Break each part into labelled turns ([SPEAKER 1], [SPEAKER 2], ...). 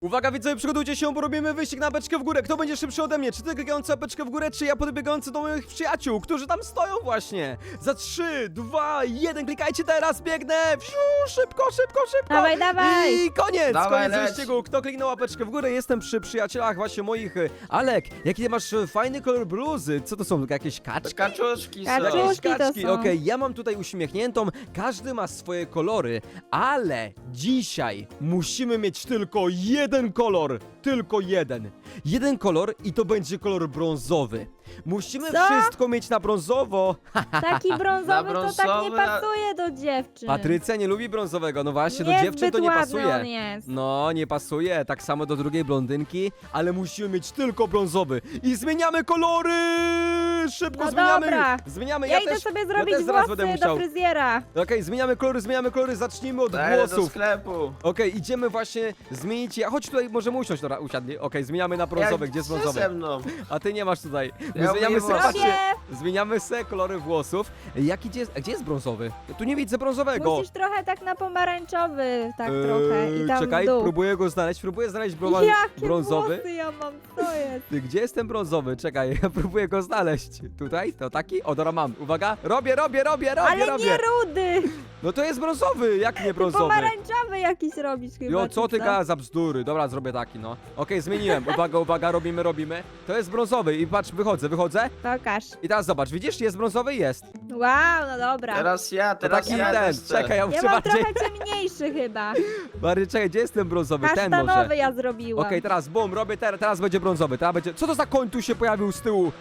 [SPEAKER 1] Uwaga widzowie, przygotujcie się, bo robimy wyścig na beczkę w górę. Kto będzie szybszy ode mnie? Czy ty klikający na beczkę w górę, czy ja podbiegający do moich przyjaciół, którzy tam stoją właśnie? Za 3, 2, 1, klikajcie teraz, biegnę! Wsiu, szybko!
[SPEAKER 2] Dawaj, dawaj!
[SPEAKER 1] I koniec!
[SPEAKER 3] Dawaj,
[SPEAKER 1] Koniec
[SPEAKER 3] leć.
[SPEAKER 1] wyścigu. Kto kliknął łapeczkę w górę? Jestem przy przyjacielach właśnie moich. Alek, jaki ty masz fajny kolor bluzy? Co to są, jakieś kaczki?
[SPEAKER 3] Kaczuszki są.
[SPEAKER 2] Kaczuszki.
[SPEAKER 1] Jakieś
[SPEAKER 2] to
[SPEAKER 1] kaczki,
[SPEAKER 2] są.
[SPEAKER 1] okej, ja mam tutaj uśmiechniętą, każdy ma swoje kolory, ale dzisiaj musimy mieć tylko jeden kolor, tylko jeden. Jeden kolor i to będzie kolor brązowy. Musimy
[SPEAKER 2] Co?
[SPEAKER 1] wszystko mieć na brązowo.
[SPEAKER 2] Taki brązowy to tak nie
[SPEAKER 3] brązowy,
[SPEAKER 2] pasuje do dziewczyn.
[SPEAKER 1] Patrycja nie lubi brązowego, no właśnie, do
[SPEAKER 2] Niezbyt
[SPEAKER 1] dziewczyn to nie
[SPEAKER 2] ładny
[SPEAKER 1] pasuje.
[SPEAKER 2] on jest.
[SPEAKER 1] No, nie pasuje, tak samo do drugiej blondynki, ale musimy mieć tylko brązowy. I zmieniamy kolory! Szybko
[SPEAKER 2] No
[SPEAKER 1] zmieniamy!
[SPEAKER 2] dobra.
[SPEAKER 1] Zmieniamy,
[SPEAKER 2] Ja idę sobie zrobić
[SPEAKER 1] też zaraz będę
[SPEAKER 2] włosy
[SPEAKER 1] musiał.
[SPEAKER 2] do fryzjera.
[SPEAKER 1] Okej, zmieniamy kolory, zacznijmy od
[SPEAKER 3] Daję do
[SPEAKER 1] włosów.
[SPEAKER 3] sklepu.
[SPEAKER 1] Okej, idziemy właśnie zmienić. Chodź tutaj, możemy usiąść, dobra, usiadnij. Okej, zmieniamy na brązowy, gdzie jest
[SPEAKER 3] Co
[SPEAKER 1] brązowy?
[SPEAKER 3] ze mną?
[SPEAKER 1] A ty nie masz tutaj. My
[SPEAKER 3] Ja
[SPEAKER 1] zmieniamy
[SPEAKER 3] umiem
[SPEAKER 1] se,
[SPEAKER 3] włosy.
[SPEAKER 1] patrzcie,
[SPEAKER 2] Robię!
[SPEAKER 1] zmieniamy se kolory włosów. Gdzie jest brązowy? Ja tu nie widzę brązowego.
[SPEAKER 2] Musisz trochę tak na pomarańczowy, tak trochę. I tam
[SPEAKER 1] Czekaj,
[SPEAKER 2] w dół.
[SPEAKER 1] próbuję znaleźć
[SPEAKER 2] Jakie
[SPEAKER 1] brązowy.
[SPEAKER 2] włosy ja mam, co jest?
[SPEAKER 1] Ty, gdzie jest ten brązowy? Czekaj, ja próbuję go znaleźć. Tutaj? To taki? O, dobra, mam. Uwaga, robię.
[SPEAKER 2] Ale nie rudy!
[SPEAKER 1] No to jest brązowy, jak nie brązowy?
[SPEAKER 2] Pomarańczowy jakiś robisz chyba.
[SPEAKER 1] Jo, co
[SPEAKER 2] czy
[SPEAKER 1] ty gadasz za bzdury? Dobra, zrobię taki, no. Okej, zmieniłem. Uwaga, robimy. To jest brązowy i patrz, wychodzę.
[SPEAKER 2] Pokaż.
[SPEAKER 1] I teraz zobacz, widzisz, jest brązowy? Jest.
[SPEAKER 2] Wow, no dobra.
[SPEAKER 3] Teraz ja,
[SPEAKER 1] To
[SPEAKER 3] teraz
[SPEAKER 1] taki
[SPEAKER 3] ja
[SPEAKER 1] ten,
[SPEAKER 3] też chcę.
[SPEAKER 1] czekaj, ja
[SPEAKER 2] Ja
[SPEAKER 1] muszę
[SPEAKER 2] mam
[SPEAKER 1] bardziej,
[SPEAKER 2] trochę ciemniejszy chyba.
[SPEAKER 1] bardziej, czekaj, gdzie jest ten brązowy? Ten może.
[SPEAKER 2] Kasztanowy ja zrobiłam.
[SPEAKER 1] Okej, teraz bum, robię teraz będzie brązowy, teraz będzie... Co to za koń tu się pojawił z tyłu?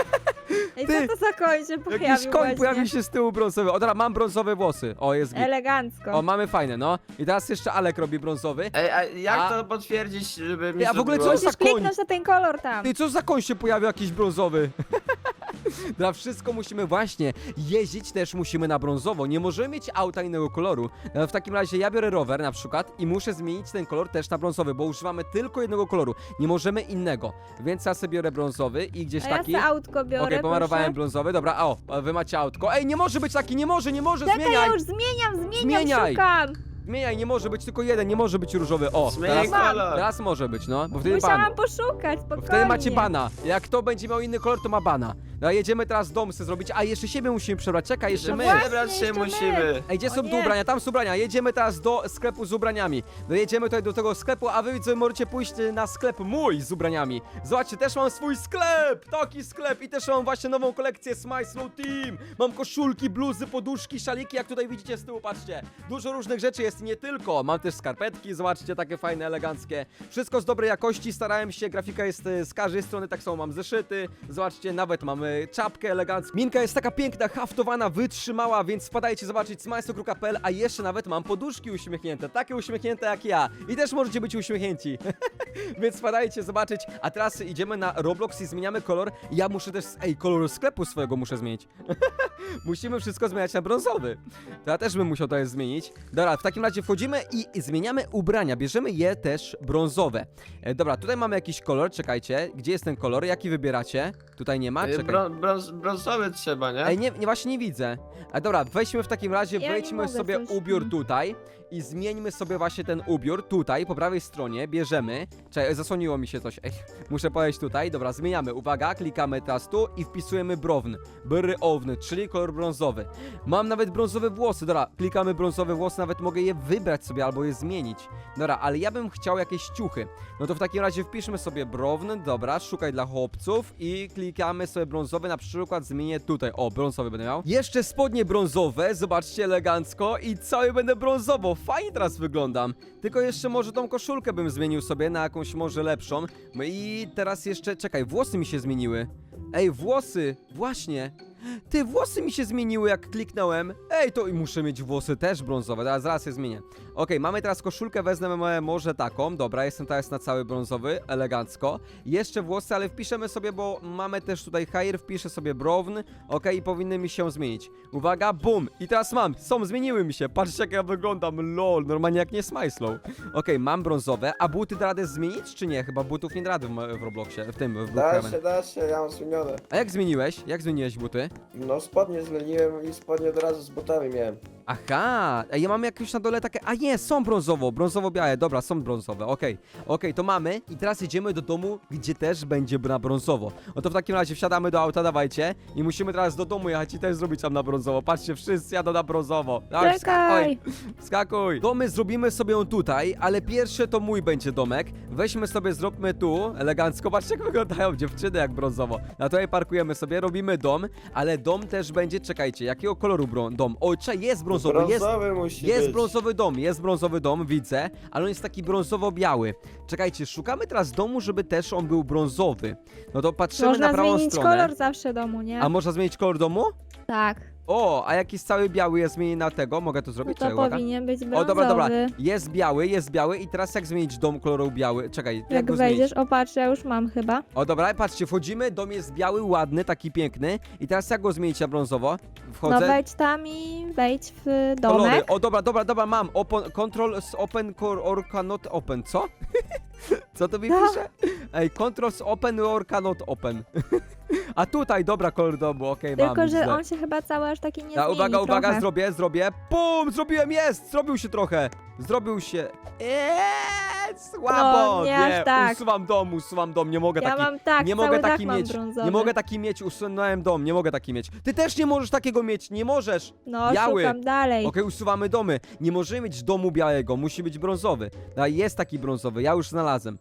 [SPEAKER 2] I
[SPEAKER 1] ty,
[SPEAKER 2] co to za koń się pojawił
[SPEAKER 1] Jakiś koń
[SPEAKER 2] właśnie?
[SPEAKER 1] pojawił się z tyłu brązowy. O, dobra, mam brązowe włosy. O, jest git.
[SPEAKER 2] Elegancko.
[SPEAKER 1] O, mamy fajne, no. I teraz jeszcze Alek robi brązowy.
[SPEAKER 3] Ej, a jak
[SPEAKER 1] A-
[SPEAKER 3] to potwierdzić, żeby mi
[SPEAKER 1] Ej, a w ogóle
[SPEAKER 3] zrobiło?
[SPEAKER 1] co za
[SPEAKER 2] Musisz
[SPEAKER 1] koń?
[SPEAKER 2] kliknąć na ten kolor tam.
[SPEAKER 1] Ty, co za koń się pojawił jakiś brązowy? Dla wszystko musimy właśnie jeździć też musimy na brązowo. Nie możemy mieć auta innego koloru. W takim razie ja biorę rower na przykład i muszę zmienić ten kolor też na brązowy, bo używamy tylko jednego koloru. Nie możemy innego. Więc ja sobie biorę brązowy i gdzieś
[SPEAKER 2] A ja
[SPEAKER 1] taki.
[SPEAKER 2] sobie autko biorę,
[SPEAKER 1] Okej, pomalowałem
[SPEAKER 2] proszę.
[SPEAKER 1] brązowy. Dobra, a wy macie autko. Ej, nie może być taki, nie może,
[SPEAKER 2] Czekaj,
[SPEAKER 1] zmieniaj.
[SPEAKER 2] ja już zmieniam,
[SPEAKER 1] Zmieniaj.
[SPEAKER 2] szukam.
[SPEAKER 1] Zmieniaj, nie może być tylko jeden, nie może być różowy. O,
[SPEAKER 3] Zmieniaj
[SPEAKER 1] teraz,
[SPEAKER 3] kolor.
[SPEAKER 1] teraz może być, no, bo wtedy ban.
[SPEAKER 2] Musiałam poszukać,
[SPEAKER 1] Bo
[SPEAKER 2] spokojnie.
[SPEAKER 1] wtedy macie bana. Jak kto będzie miał inny kolor, to ma bana. No, jedziemy teraz dom sobie zrobić. A jeszcze siebie musimy przebrać. Czekaj, jeszcze
[SPEAKER 2] No
[SPEAKER 1] my.
[SPEAKER 2] właśnie.
[SPEAKER 3] Przebrać się
[SPEAKER 2] jeszcze my.
[SPEAKER 3] musimy.
[SPEAKER 1] Ej, gdzie
[SPEAKER 2] O
[SPEAKER 1] są
[SPEAKER 2] nie.
[SPEAKER 1] tu ubrania? Tam są ubrania. Jedziemy teraz do sklepu z ubraniami. No jedziemy tutaj do tego sklepu, a wy widzowie możecie pójść na sklep mój z ubraniami. Zobaczcie, też mam swój sklep! Taki sklep i też mam właśnie nową kolekcję Smile Slow Team. Mam koszulki, bluzy, poduszki, szaliki, jak tutaj widzicie z tyłu, patrzcie. Dużo różnych rzeczy jest i nie tylko. Mam też skarpetki, zobaczcie, takie fajne, eleganckie. Wszystko z dobrej jakości, starałem się, grafika jest z każdej strony, tak samo mam zeszyty. Zobaczcie, nawet mamy czapkę elegancką. Minka jest taka piękna, haftowana, wytrzymała, więc wpadajcie zobaczyć smajsto.pl, a jeszcze nawet mam poduszki uśmiechnięte, takie uśmiechnięte jak ja. I też możecie być uśmiechnięci. Więc wpadajcie zobaczyć, a teraz idziemy na Roblox i zmieniamy kolor. Ja muszę też, kolor sklepu swojego muszę zmienić. Musimy wszystko zmieniać na brązowy. To ja też bym musiał to jest zmienić. Dobra, w takim razie wchodzimy i zmieniamy ubrania, bierzemy je też brązowe. Dobra, tutaj mamy jakiś kolor, czekajcie, gdzie jest ten kolor, jaki wybieracie? Tutaj nie ma, czekaj.
[SPEAKER 3] Brązowy trzeba, nie?
[SPEAKER 1] Ej, nie, właśnie nie widzę. A dobra, weźmy w takim razie,
[SPEAKER 2] Ja nie
[SPEAKER 1] wejdźmy
[SPEAKER 2] mogę
[SPEAKER 1] sobie
[SPEAKER 2] coś.
[SPEAKER 1] ubiór tutaj i zmieńmy sobie właśnie ten ubiór tutaj, po prawej stronie, bierzemy. Czekaj, zasłoniło mi się coś, muszę podejść tutaj, dobra, zmieniamy, uwaga, klikamy teraz tu i wpisujemy browny, czyli kolor brązowy. Mam nawet brązowe włosy, dobra, klikamy brązowe włosy, nawet mogę je wybrać sobie albo je zmienić. Dobra, ale ja bym chciał jakieś ciuchy. No to w takim razie wpiszmy sobie browny, dobra, szukaj dla chłopców i klikamy sobie brązowy, na przykład zmienię tutaj, o, brązowy będę miał. Jeszcze spodnie brązowe, zobaczcie, elegancko i cały będę brązowo, fajnie teraz wyglądam. Tylko jeszcze może tą koszulkę bym zmienił sobie na jakąś może lepszą. No i teraz jeszcze, czekaj, włosy mi się zmieniły. Ej, włosy, właśnie. Ty, włosy mi się zmieniły jak kliknąłem. Ej, to i muszę mieć włosy też brązowe, teraz zaraz je zmienię. Okej, mamy teraz koszulkę, wezmę może taką. Dobra, jestem teraz na cały brązowy, elegancko. Jeszcze włosy, ale wpiszemy sobie, bo mamy też tutaj hair, wpiszę sobie brown. Okej, i powinny mi się zmienić. Uwaga, bum! I teraz mam, zmieniły mi się. Patrzcie jak ja wyglądam, lol, normalnie jak nie Smajslow. Okej, mam brązowe, a buty da radę zmienić, czy nie? Chyba butów nie da rady w Robloxie, w
[SPEAKER 3] Da
[SPEAKER 1] Brookhaven.
[SPEAKER 3] się, ja mam zmienione.
[SPEAKER 1] A jak zmieniłeś? Jak zmieniłeś buty?
[SPEAKER 4] No spodnie zmieniłem i spodnie od razu z butami miałem.
[SPEAKER 1] Aha, a ja mam jakieś na dole takie, a nie, są brązowo-białe, dobra, są brązowe, okej, to mamy i teraz jedziemy do domu, gdzie też będzie na brązowo. No to w takim razie wsiadamy do auta, dawajcie i musimy teraz do domu jechać i też zrobić tam na brązowo, patrzcie, wszyscy jadą na brązowo. Dawaj,
[SPEAKER 2] Czekaj.
[SPEAKER 1] Wskakuj. Domy zrobimy sobie tutaj, ale pierwszy to mój będzie domek, weźmy sobie, zróbmy tu, elegancko, patrzcie jak wyglądają dziewczyny jak brązowo. Na tutaj parkujemy sobie, robimy dom, ale dom też będzie, czekajcie, jakiego koloru dom? O, jest brązowy, jest...
[SPEAKER 4] Brązowy musi
[SPEAKER 1] Jest
[SPEAKER 4] być.
[SPEAKER 1] brązowy dom, widzę, ale on jest taki brązowo-biały. Czekajcie, szukamy teraz domu, żeby też on był brązowy. No to patrzymy
[SPEAKER 2] Można
[SPEAKER 1] na prawą
[SPEAKER 2] zmienić
[SPEAKER 1] stronę.
[SPEAKER 2] kolor zawsze domu, nie?
[SPEAKER 1] A można zmienić kolor domu?
[SPEAKER 2] Tak.
[SPEAKER 1] O, a jak jest cały biały, ja zmienię na tego, mogę to
[SPEAKER 2] No
[SPEAKER 1] zrobić?
[SPEAKER 2] to
[SPEAKER 1] Czekaj, uwaga.
[SPEAKER 2] powinien być brązowy.
[SPEAKER 1] O, dobra, jest biały i teraz jak zmienić dom koloru biały? Czekaj, jak
[SPEAKER 2] Jak
[SPEAKER 1] go
[SPEAKER 2] wejdziesz,
[SPEAKER 1] zmienić?
[SPEAKER 2] o patrz, ja już mam chyba.
[SPEAKER 1] O, dobra, patrzcie, wchodzimy, dom jest biały, ładny, taki piękny i teraz jak go zmienić na brązowo? Wchodzę.
[SPEAKER 2] No wejdź tam i wejdź w
[SPEAKER 1] Kolory.
[SPEAKER 2] domek.
[SPEAKER 1] O, dobra, mam. Control z open or cannot open. Co? Co to mi
[SPEAKER 2] No.
[SPEAKER 1] pisze? Ej, control z open or cannot open. A tutaj, dobra, kolor domu, okej, mam.
[SPEAKER 2] Tylko, że
[SPEAKER 1] źle.
[SPEAKER 2] on się chyba cały aż taki nie
[SPEAKER 1] A,
[SPEAKER 2] zmieni
[SPEAKER 1] uwaga,
[SPEAKER 2] trochę.
[SPEAKER 1] zrobię. Pum, zrobiłem, jest! Zrobił się trochę. Zrobił się. Słabo.
[SPEAKER 2] No, nie aż tak.
[SPEAKER 1] Usuwam dom, nie mogę
[SPEAKER 2] Ja
[SPEAKER 1] taki.
[SPEAKER 2] mam tak,
[SPEAKER 1] nie
[SPEAKER 2] cały
[SPEAKER 1] mogę
[SPEAKER 2] dach
[SPEAKER 1] taki
[SPEAKER 2] mam
[SPEAKER 1] mieć.
[SPEAKER 2] brązowy.
[SPEAKER 1] Nie mogę taki mieć, usunąłem dom, nie mogę taki mieć. Ty też nie możesz takiego mieć, nie możesz.
[SPEAKER 2] No,
[SPEAKER 1] biały.
[SPEAKER 2] szukam dalej.
[SPEAKER 1] Okej, usuwamy domy. Nie możemy mieć domu białego, musi być brązowy. No, jest taki brązowy, ja już znalazłem.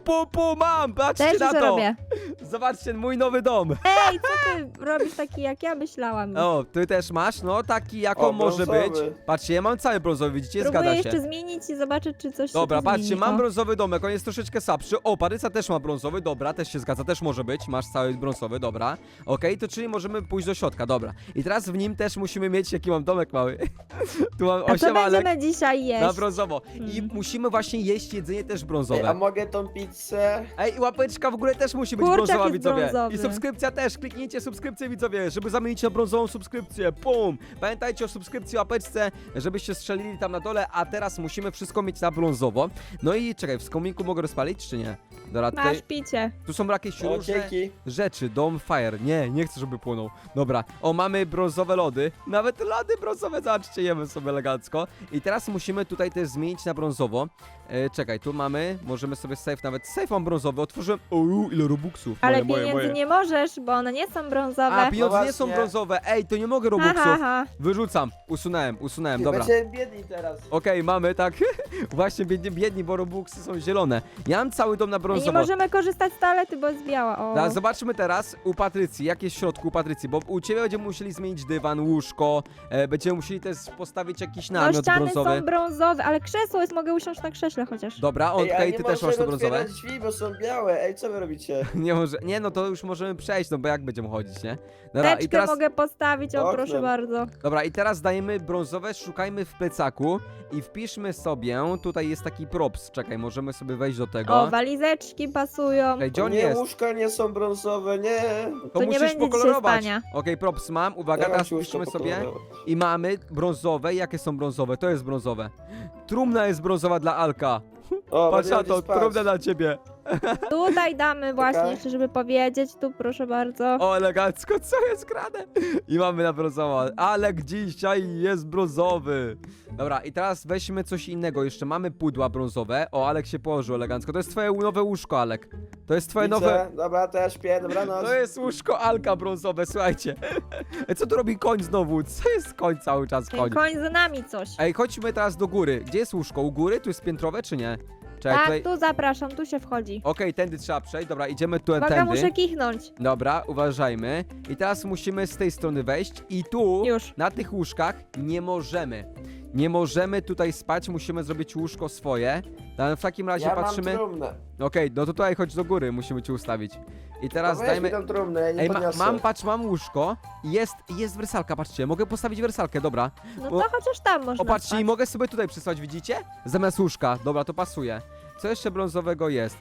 [SPEAKER 1] Mam! Patrzcie
[SPEAKER 2] Też
[SPEAKER 1] na
[SPEAKER 2] już
[SPEAKER 1] to!
[SPEAKER 2] robię.
[SPEAKER 1] Zobaczcie, mój nowy dom.
[SPEAKER 2] Ej, co ty robisz taki jak ja myślałam?
[SPEAKER 1] O, ty też masz? No, taki jako
[SPEAKER 4] O,
[SPEAKER 1] może
[SPEAKER 4] brązowy.
[SPEAKER 1] być. Patrzcie, ja mam cały brązowy, widzicie?
[SPEAKER 2] Próbuję
[SPEAKER 1] Zgadza
[SPEAKER 2] jeszcze
[SPEAKER 1] się.
[SPEAKER 2] zmienić i zobaczyć, czy coś
[SPEAKER 1] Dobra,
[SPEAKER 2] się tu
[SPEAKER 1] patrzcie,
[SPEAKER 2] zmieni.
[SPEAKER 1] mam
[SPEAKER 2] O.
[SPEAKER 1] brązowy domek, on jest troszeczkę słabszy. O, Paryca też ma brązowy, dobra, też się zgadza, też może być. Masz cały brązowy, dobra. Okej, to czyli możemy pójść do środka, dobra. I teraz w nim też musimy mieć, jaki mam domek mały. Tu mam
[SPEAKER 2] A co
[SPEAKER 1] 8 alek
[SPEAKER 2] będziemy dzisiaj jeść?
[SPEAKER 1] na brązowo. I
[SPEAKER 2] Mm.
[SPEAKER 1] musimy właśnie jeść jedzenie też
[SPEAKER 4] Ej, a
[SPEAKER 1] brązowe.
[SPEAKER 4] mogę tą pizzę?
[SPEAKER 1] Ej, łapeczka w ogóle też musi być
[SPEAKER 2] Kurczak
[SPEAKER 1] brązowa,
[SPEAKER 2] jest
[SPEAKER 1] widzowie.
[SPEAKER 2] brązowy.
[SPEAKER 1] I subskrypcja też, kliknijcie subskrypcję, widzowie, żeby zamienić na brązową subskrypcję. Pum! Pamiętajcie o subskrypcji, łapeczce, żebyście strzelili tam na dole, a teraz musimy wszystko mieć na brązowo. No i czekaj, w kominku mogę rozpalić, czy nie? Dobra, tutaj,
[SPEAKER 2] Masz picie.
[SPEAKER 1] tu są jakieś
[SPEAKER 4] O,
[SPEAKER 1] różne
[SPEAKER 4] dzięki.
[SPEAKER 1] rzeczy, dom fire. Nie chcę, żeby płonął. Dobra, o, mamy brązowe lody. Nawet lody brązowe, zobaczcie, jemy sobie elegancko. I teraz musimy tutaj też zmienić na brązowo. Czekaj, tu mamy, możemy sobie nawet safe mam brązowy, otworzyłem. Ile robuxów.
[SPEAKER 2] Ale
[SPEAKER 1] moje.
[SPEAKER 2] pieniędzy nie możesz, bo one nie są brązowe.
[SPEAKER 1] A, pieniądze
[SPEAKER 4] No
[SPEAKER 1] nie są
[SPEAKER 4] właśnie.
[SPEAKER 1] brązowe. Ej, to nie mogę
[SPEAKER 2] Ha,
[SPEAKER 1] robuxów.
[SPEAKER 2] ha, ha.
[SPEAKER 1] Wyrzucam. Usunąłem, dobra.
[SPEAKER 4] Będziemy biedni teraz.
[SPEAKER 1] Okej, mamy, tak. Właśnie biedni, bo robuxy są zielone. Ja mam cały dom na
[SPEAKER 2] I nie
[SPEAKER 1] brązowo.
[SPEAKER 2] możemy korzystać z toalety, bo jest biała. O.
[SPEAKER 1] Da, zobaczmy teraz u Patrycji, jak jest w środku u Patrycji, bo u ciebie będziemy musieli zmienić dywan, łóżko, będziemy musieli też postawić jakiś
[SPEAKER 2] No
[SPEAKER 1] namiot
[SPEAKER 2] ściany
[SPEAKER 1] brązowy.
[SPEAKER 2] są brązowe, ale krzesło jest, mogę usiąść na krześle chociaż.
[SPEAKER 1] Dobra,
[SPEAKER 4] Ej, ale
[SPEAKER 1] ty
[SPEAKER 4] nie
[SPEAKER 1] też masz to
[SPEAKER 4] możemy
[SPEAKER 1] brązowe?
[SPEAKER 4] otwierać drzwi, bo są białe. Ej, co wy robicie?
[SPEAKER 1] Nie, no to już możemy przejść, no bo jak będziemy chodzić, nie? Dobra,
[SPEAKER 2] Teczkę
[SPEAKER 1] i teraz,
[SPEAKER 2] mogę postawić, o
[SPEAKER 4] Oknem.
[SPEAKER 2] proszę bardzo.
[SPEAKER 1] dobra, i teraz dajemy brązowe, szukajmy w plecaku i wpiszmy sobie, tutaj jest taki props, czekaj, możemy sobie wejść do tego.
[SPEAKER 2] O, walizeczki pasują.
[SPEAKER 1] Ej, gdzie on
[SPEAKER 4] Nie,
[SPEAKER 1] jest?
[SPEAKER 4] łóżka nie są brązowe, nie.
[SPEAKER 1] To
[SPEAKER 2] nie
[SPEAKER 1] musisz
[SPEAKER 2] będzie dzisiaj
[SPEAKER 1] pokolorować.
[SPEAKER 2] spania.
[SPEAKER 1] Okej, props mam, uwaga,
[SPEAKER 4] Ja mam
[SPEAKER 1] teraz
[SPEAKER 4] ci łóżko
[SPEAKER 1] wpiszmy sobie
[SPEAKER 4] pokolorować.
[SPEAKER 1] i mamy brązowe. Jakie są brązowe? To jest brązowe. Trumna jest brązowa dla Alka.
[SPEAKER 4] O,
[SPEAKER 1] Patrz na
[SPEAKER 4] będziemy
[SPEAKER 1] to,
[SPEAKER 4] spać.
[SPEAKER 1] trumna dla ciebie.
[SPEAKER 2] Tutaj damy właśnie,
[SPEAKER 4] Czekaj.
[SPEAKER 2] jeszcze żeby powiedzieć, tu proszę bardzo.
[SPEAKER 1] O, elegancko, co jest grane? I mamy na brązowo. Alek dzisiaj jest brązowy. Dobra, i teraz weźmy coś innego. Jeszcze mamy pudła brązowe. O, Alek się położył elegancko. To jest twoje nowe łóżko, Alek. To jest twoje
[SPEAKER 4] Widzę.
[SPEAKER 1] nowe...
[SPEAKER 4] Dobra, to ja śpię, dobranoc.
[SPEAKER 1] To jest łóżko Alka brązowe, słuchajcie. Co tu robi koń znowu? Co jest koń cały czas, koń?
[SPEAKER 2] Ten koń za nami coś.
[SPEAKER 1] Ej, chodźmy teraz do góry. Gdzie jest łóżko? U góry? Tu jest piętrowe, czy nie? Czekaj,
[SPEAKER 2] Tak,
[SPEAKER 1] tutaj...
[SPEAKER 2] tu zapraszam, tu się wchodzi.
[SPEAKER 1] Okej, tędy trzeba przejść. Dobra, idziemy tu,
[SPEAKER 2] Uwaga,
[SPEAKER 1] tędy.
[SPEAKER 2] muszę kichnąć.
[SPEAKER 1] Dobra, uważajmy. I teraz musimy z tej strony wejść i tu,
[SPEAKER 2] Już.
[SPEAKER 1] na tych łóżkach, nie możemy. Nie możemy tutaj spać, musimy zrobić łóżko swoje. W takim razie
[SPEAKER 4] Ja
[SPEAKER 1] patrzymy.
[SPEAKER 4] mam trumnę.
[SPEAKER 1] Okej, no to tutaj chodź do góry, musimy ci ustawić. I teraz
[SPEAKER 4] No weź
[SPEAKER 1] dajmy...
[SPEAKER 4] mi tą trumnę, ja nie
[SPEAKER 1] Ej,
[SPEAKER 4] podniosę.
[SPEAKER 1] mam łóżko i jest wersalka, patrzcie, mogę postawić wersalkę, dobra.
[SPEAKER 2] No
[SPEAKER 1] Bo-
[SPEAKER 2] to chociaż tam można
[SPEAKER 1] O, patrzcie, i
[SPEAKER 2] spać.
[SPEAKER 1] mogę sobie tutaj przysłać, widzicie? Zamiast łóżka, dobra, to pasuje. Co jeszcze brązowego jest?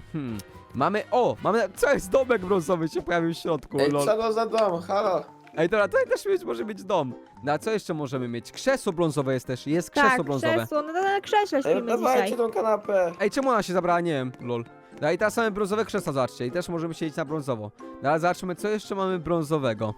[SPEAKER 1] Mamy, co jest domek brązowy się pojawił w środku,
[SPEAKER 4] Ej,
[SPEAKER 1] lol.
[SPEAKER 4] co to za dom? Halo?
[SPEAKER 1] Ej, dobra, tutaj też może być dom. No a co jeszcze możemy mieć? Krzesło brązowe jest też, jest krzesło
[SPEAKER 2] Tak,
[SPEAKER 1] brązowe.
[SPEAKER 2] krzesło, no to na krześle
[SPEAKER 4] Ej,
[SPEAKER 2] śpimy
[SPEAKER 4] dawajcie
[SPEAKER 2] dzisiaj.
[SPEAKER 4] tą kanapę.
[SPEAKER 1] Ej, czemu ona się zabrała? Nie wiem, lol. No i teraz mamy brązowe krzesła, zobaczcie. I też możemy siedzieć na brązowo. No ale zobaczmy, co jeszcze mamy brązowego.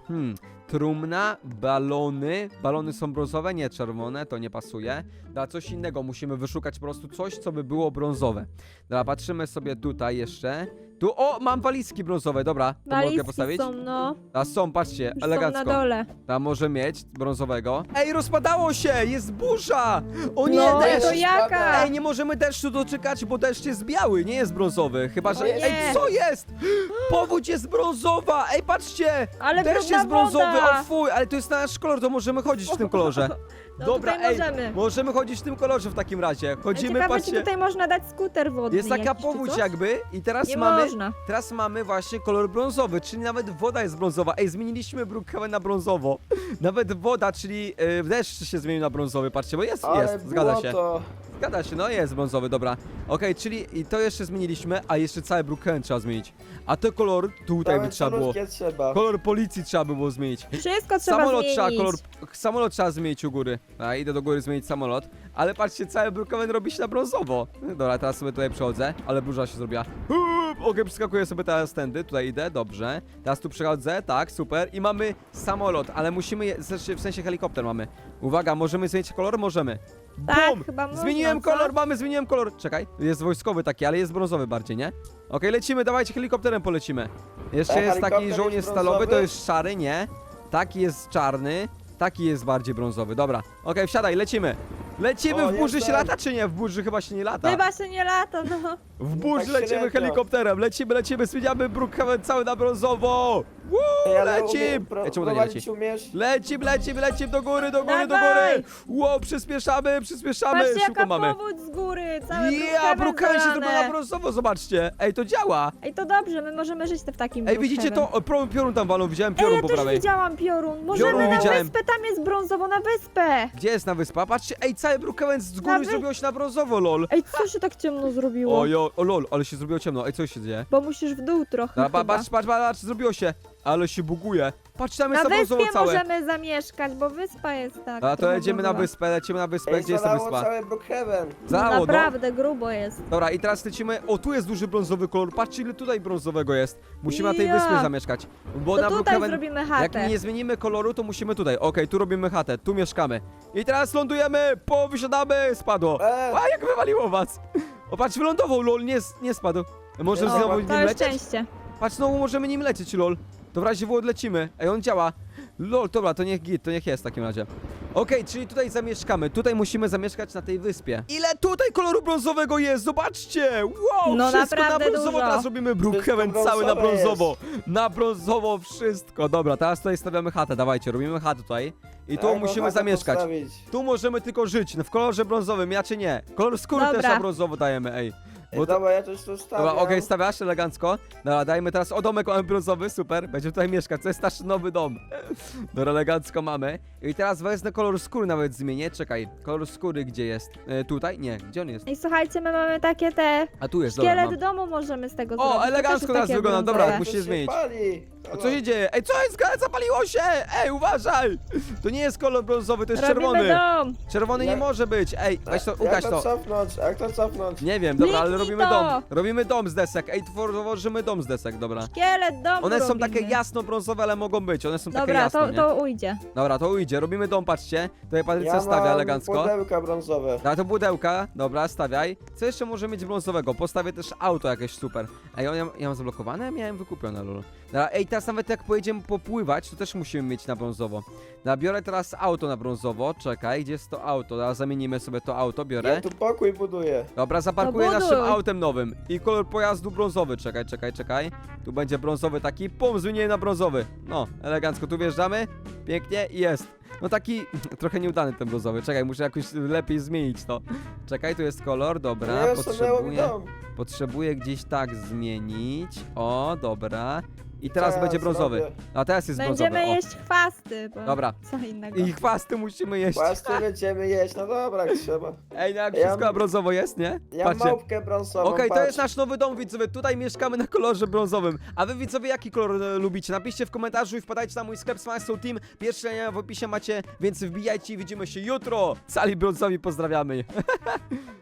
[SPEAKER 1] Trumna, balony. Balony są brązowe, nie czerwone, to nie pasuje. Dobra, coś innego, musimy wyszukać po prostu coś, co by było brązowe. Dobra, patrzymy sobie tutaj jeszcze. Tu, o, mam walizki brązowe, dobra. To mogę
[SPEAKER 2] Walizki
[SPEAKER 1] postawić?
[SPEAKER 2] są, no.
[SPEAKER 1] A są, patrzcie,
[SPEAKER 2] Już
[SPEAKER 1] elegancko.
[SPEAKER 2] są na dole.
[SPEAKER 1] Tam może mieć brązowego. Ej, rozpadało się! Jest burza! O nie,
[SPEAKER 2] No,
[SPEAKER 1] deszcz!
[SPEAKER 2] to jaka?
[SPEAKER 1] Ej, nie możemy deszczu doczekać, bo deszcz jest biały, nie jest brązowy. Chyba, że...
[SPEAKER 2] O nie.
[SPEAKER 1] Ej, co jest? Powódź jest brązowa! Ej, patrzcie!
[SPEAKER 2] Ale
[SPEAKER 1] Deszcz
[SPEAKER 2] brudna
[SPEAKER 1] jest brązowy,
[SPEAKER 2] woda.
[SPEAKER 1] o fuj, ale to jest nasz kolor, to możemy chodzić w tym kolorze.
[SPEAKER 2] No
[SPEAKER 1] Dobra,
[SPEAKER 2] tutaj
[SPEAKER 1] ej,
[SPEAKER 2] możemy.
[SPEAKER 1] możemy chodzić w tym kolorze w takim razie. Chodzimy,
[SPEAKER 2] Ciekawe,
[SPEAKER 1] patrzcie.
[SPEAKER 2] czy tutaj można dać skuter wodny
[SPEAKER 1] Jest taka
[SPEAKER 2] jakiś, czy
[SPEAKER 1] powódź
[SPEAKER 2] coś?
[SPEAKER 1] jakby i teraz
[SPEAKER 2] Nie
[SPEAKER 1] mamy...
[SPEAKER 2] można.
[SPEAKER 1] Teraz mamy właśnie kolor brązowy, czyli nawet woda jest brązowa. Ej, zmieniliśmy Brookhaven na brązowo. Nawet woda, czyli deszcz się zmienił na brązowy, patrzcie, bo jest, zgadza się.
[SPEAKER 4] To...
[SPEAKER 1] Zgadza się, no jest brązowy, dobra. Okej, czyli i to jeszcze zmieniliśmy, a jeszcze cały Brookhaven trzeba zmienić. A to kolor tutaj by trzeba było.
[SPEAKER 4] Trzeba.
[SPEAKER 1] Kolor policji trzeba by było zmienić.
[SPEAKER 2] Wszystko trzeba
[SPEAKER 1] Samolot
[SPEAKER 2] zmienić.
[SPEAKER 1] trzeba, samolot trzeba zmienić u góry. A idę do góry zmienić samolot. Ale patrzcie, cały Brookhaven robi się na brązowo. Dobra, teraz sobie tutaj przechodzę, ale burza się zrobiła. Okej, przeskakuję sobie teraz tędy, tutaj idę, dobrze. Teraz tu przechodzę, tak, super. I mamy samolot, ale musimy, w sensie helikopter mamy. Uwaga, możemy zmienić kolor? Możemy.
[SPEAKER 2] Tak,
[SPEAKER 1] Bum!
[SPEAKER 2] chyba można,
[SPEAKER 1] Zmieniłem
[SPEAKER 2] co?
[SPEAKER 1] kolor, zmieniłem kolor. Czekaj, jest wojskowy taki, ale jest brązowy bardziej, nie? Okej, lecimy, dawajcie, helikopterem polecimy. Jeszcze
[SPEAKER 4] A
[SPEAKER 1] jest taki
[SPEAKER 4] helikopter
[SPEAKER 1] żołnierz
[SPEAKER 4] jest
[SPEAKER 1] stalowy, to
[SPEAKER 4] brązowy?
[SPEAKER 1] jest szary, nie? Taki jest czarny, taki jest bardziej brązowy, dobra. Okej, wsiadaj, lecimy. Lecimy,
[SPEAKER 4] O,
[SPEAKER 1] w burzy się
[SPEAKER 4] jestem.
[SPEAKER 1] lata czy nie? W burzy chyba się nie lata.
[SPEAKER 2] Chyba się nie lata, no.
[SPEAKER 1] W burzy
[SPEAKER 4] Tak
[SPEAKER 1] lecimy
[SPEAKER 4] średnio.
[SPEAKER 1] helikopterem, lecimy, zmieniamy Brookhaven cały na brązowo. Woo, lecim! Ej, czemu to nie leci?
[SPEAKER 4] umiesz?
[SPEAKER 1] Lecim, do góry, do góry.
[SPEAKER 2] Dawaj!
[SPEAKER 1] Wow, przyspieszamy,
[SPEAKER 2] Patrzcie,
[SPEAKER 1] szybko
[SPEAKER 2] jaka
[SPEAKER 1] mamy.
[SPEAKER 2] powódź z góry, całe
[SPEAKER 1] Ja, Brookhaven się zrobił na
[SPEAKER 2] zalane.
[SPEAKER 1] brązowo, zobaczcie. Ej, to działa.
[SPEAKER 2] Ej, to dobrze, my możemy żyć w takim
[SPEAKER 1] Ej, widzicie to?
[SPEAKER 2] Brookhaven.
[SPEAKER 1] O, piorun tam walą, widziałem
[SPEAKER 2] Ej,
[SPEAKER 1] piorun
[SPEAKER 2] ja
[SPEAKER 1] po
[SPEAKER 2] też
[SPEAKER 1] prawej.
[SPEAKER 2] widziałam piorun. Możemy
[SPEAKER 1] Piorun
[SPEAKER 2] na
[SPEAKER 1] widziałem.
[SPEAKER 2] wyspę, tam jest brązowo, na wyspę.
[SPEAKER 1] Gdzie jest na wyspa? Patrzcie, ej, cały Brookhaven z góry
[SPEAKER 2] wy-
[SPEAKER 1] zrobiło się na brązowo, lol.
[SPEAKER 2] Ej, co się tak ciemno zrobiło?
[SPEAKER 1] O lol, ale się zrobiło ciemno. Ej, co się dzieje?
[SPEAKER 2] Bo musisz w dół trochę chyba.
[SPEAKER 1] Patrz, zrobiło się. Ale się buguje. Patrz, tam jest
[SPEAKER 2] Na
[SPEAKER 1] na brązowo
[SPEAKER 2] wyspie
[SPEAKER 1] całe.
[SPEAKER 2] możemy zamieszkać, bo wyspa jest tak.
[SPEAKER 1] A to
[SPEAKER 2] trochę
[SPEAKER 1] lecimy na
[SPEAKER 2] brązowa.
[SPEAKER 1] wyspę,
[SPEAKER 4] Ej,
[SPEAKER 1] gdzie jest ta
[SPEAKER 4] zalało
[SPEAKER 1] wyspa?
[SPEAKER 4] całe Brookhaven.
[SPEAKER 1] Zalało, no.
[SPEAKER 2] Naprawdę grubo jest.
[SPEAKER 1] Dobra, i teraz lecimy. O, tu jest duży brązowy kolor. Patrzcie, ile tutaj brązowego jest. Musimy na tej
[SPEAKER 2] Ja.
[SPEAKER 1] wyspie zamieszkać. Bo
[SPEAKER 2] To
[SPEAKER 1] na
[SPEAKER 2] tutaj
[SPEAKER 1] Brookhaven,
[SPEAKER 2] zrobimy
[SPEAKER 1] jak
[SPEAKER 2] chatę.
[SPEAKER 1] nie zmienimy koloru, to musimy tutaj. Okej, tu robimy chatę, tu mieszkamy. I teraz lądujemy, wysiadamy, spadło. A, jak wywaliło was. O, patrz, wylądował, lol, nie spadł. Może
[SPEAKER 4] No,
[SPEAKER 1] znowu
[SPEAKER 2] To
[SPEAKER 1] nim
[SPEAKER 2] jest
[SPEAKER 1] lecieć?
[SPEAKER 2] szczęście.
[SPEAKER 1] Patrz, znowu możemy nim lecieć, lol. To w razie w odlecimy. Ej, on działa. Lol, dobra, to niech git, to niech jest w takim razie. Okej, czyli tutaj zamieszkamy. Tutaj musimy zamieszkać na tej wyspie. Ile tutaj koloru brązowego jest? Zobaczcie! Wow,
[SPEAKER 2] No
[SPEAKER 1] wszystko na
[SPEAKER 2] naprawdę
[SPEAKER 1] brązowo.
[SPEAKER 2] dużo.
[SPEAKER 1] Teraz robimy Brookhaven
[SPEAKER 4] Wszystko
[SPEAKER 1] cały na
[SPEAKER 4] brązowe
[SPEAKER 1] brązowo. Na brązowo wszystko. Dobra, teraz tutaj stawiamy chatę. Dawajcie, robimy chatę tutaj. I tu
[SPEAKER 4] Jaką
[SPEAKER 1] musimy
[SPEAKER 4] chatę
[SPEAKER 1] zamieszkać.
[SPEAKER 4] postawić?
[SPEAKER 1] Tu możemy tylko żyć. W kolorze brązowym, ja czy nie. Kolor skóry też
[SPEAKER 2] Dobra.
[SPEAKER 1] na brązowo dajemy, ej.
[SPEAKER 4] Ej,
[SPEAKER 1] Bo to-
[SPEAKER 4] dobra, ja też tu stawiam.
[SPEAKER 1] Dobra, okej, stawiasz elegancko. Dobra, dajmy teraz domek mamy brązowy, super. Będziemy tutaj mieszkać, to jest nasz nowy dom. Dobra, elegancko mamy. I teraz wezmę kolor skóry nawet zmienię. Czekaj, kolor skóry gdzie jest? Tutaj? Nie, gdzie on jest?
[SPEAKER 2] Ej, słuchajcie, my mamy takie te...
[SPEAKER 1] A tu jest, dobra.
[SPEAKER 2] Szkielet
[SPEAKER 1] Mam.
[SPEAKER 2] domu możemy z tego zrobić.
[SPEAKER 1] O,
[SPEAKER 2] To też
[SPEAKER 1] elegancko
[SPEAKER 2] jest
[SPEAKER 1] teraz
[SPEAKER 2] takie
[SPEAKER 1] wygląda,
[SPEAKER 2] brązowe.
[SPEAKER 1] dobra,
[SPEAKER 4] To
[SPEAKER 1] musi się zmienić.
[SPEAKER 4] pali.
[SPEAKER 1] A co się dzieje? Ej, co jest? Zapaliło się! Ej, uważaj! To nie jest kolor brązowy, to jest
[SPEAKER 2] Robimy
[SPEAKER 1] czerwony.
[SPEAKER 2] dom.
[SPEAKER 1] Czerwony nie
[SPEAKER 4] Jak-
[SPEAKER 1] może być. Ej, weź to, ugaś
[SPEAKER 4] Jak
[SPEAKER 1] to.
[SPEAKER 4] cofnąć? Jak to cofnąć?
[SPEAKER 1] Nie wiem, dobra, ale
[SPEAKER 2] Kliknij
[SPEAKER 1] robimy
[SPEAKER 2] to.
[SPEAKER 1] dom. Robimy dom z desek. Ej, tworzymy dom z desek, dobra.
[SPEAKER 2] Szkielet domu
[SPEAKER 1] One są
[SPEAKER 2] robimy.
[SPEAKER 1] takie jasno-brązowe, ale mogą być. One są takie
[SPEAKER 2] Dobra,
[SPEAKER 1] jasne, nie?
[SPEAKER 2] to ujdzie.
[SPEAKER 1] Dobra, to ujdzie. Robimy dom, patrzcie. Tutaj Patrycja
[SPEAKER 4] Ja
[SPEAKER 1] stawia
[SPEAKER 4] mam
[SPEAKER 1] elegancko.
[SPEAKER 4] pudełka brązowe.
[SPEAKER 1] Dobra, to pudełka. Dobra, stawiaj. Co jeszcze może mieć brązowego? Postawię też auto jakieś super. Ej, ja mam zablokowane? Miałem wykupione, lol. Dobra, ej, teraz nawet jak pojedziemy popływać, to też musimy mieć na brązowo. Dobra, biorę teraz auto na brązowo. Czekaj, gdzie jest to auto? Dobra, zamienimy sobie to auto, biorę.
[SPEAKER 4] Ja tu pokój buduję.
[SPEAKER 1] Dobra, zaparkuję
[SPEAKER 2] No buduj.
[SPEAKER 1] naszym autem nowym. I kolor pojazdu brązowy. Czekaj. Tu będzie brązowy taki. Pum, zmieniłem na brązowy. No, elegancko. Tu wjeżdżamy. Pięknie i jest. No taki trochę nieudany ten brązowy. Czekaj, muszę jakoś lepiej zmienić to. Czekaj, tu jest kolor. Dobra,
[SPEAKER 4] Ja stanęło mi dom.
[SPEAKER 1] potrzebuję gdzieś tak zmienić. O, dobra. I teraz
[SPEAKER 4] Co ja
[SPEAKER 1] będzie brązowy.
[SPEAKER 4] zrobię?
[SPEAKER 1] A teraz jest
[SPEAKER 2] Będziemy
[SPEAKER 1] brązowy. O.
[SPEAKER 2] jeść chwasty, bo
[SPEAKER 1] Dobra.
[SPEAKER 2] co innego.
[SPEAKER 1] I chwasty musimy jeść.
[SPEAKER 4] Płasty będziemy jeść, no dobra, jak trzeba.
[SPEAKER 1] Ej, no jak
[SPEAKER 4] Ja
[SPEAKER 1] wszystko
[SPEAKER 4] mam-
[SPEAKER 1] na brązowo jest, nie?
[SPEAKER 4] Ja
[SPEAKER 1] Patrzcie.
[SPEAKER 4] małpkę brązową,
[SPEAKER 1] Okej, to
[SPEAKER 4] patrz.
[SPEAKER 1] jest nasz nowy dom, widzowie. Tutaj mieszkamy na kolorze brązowym. A wy, widzowie, jaki kolor lubicie? Napiszcie w komentarzu i wpadajcie na mój sklep Smile Soul Team. Pierwsze link w opisie macie, więc wbijajcie i widzimy się jutro. Sali brązowi pozdrawiamy.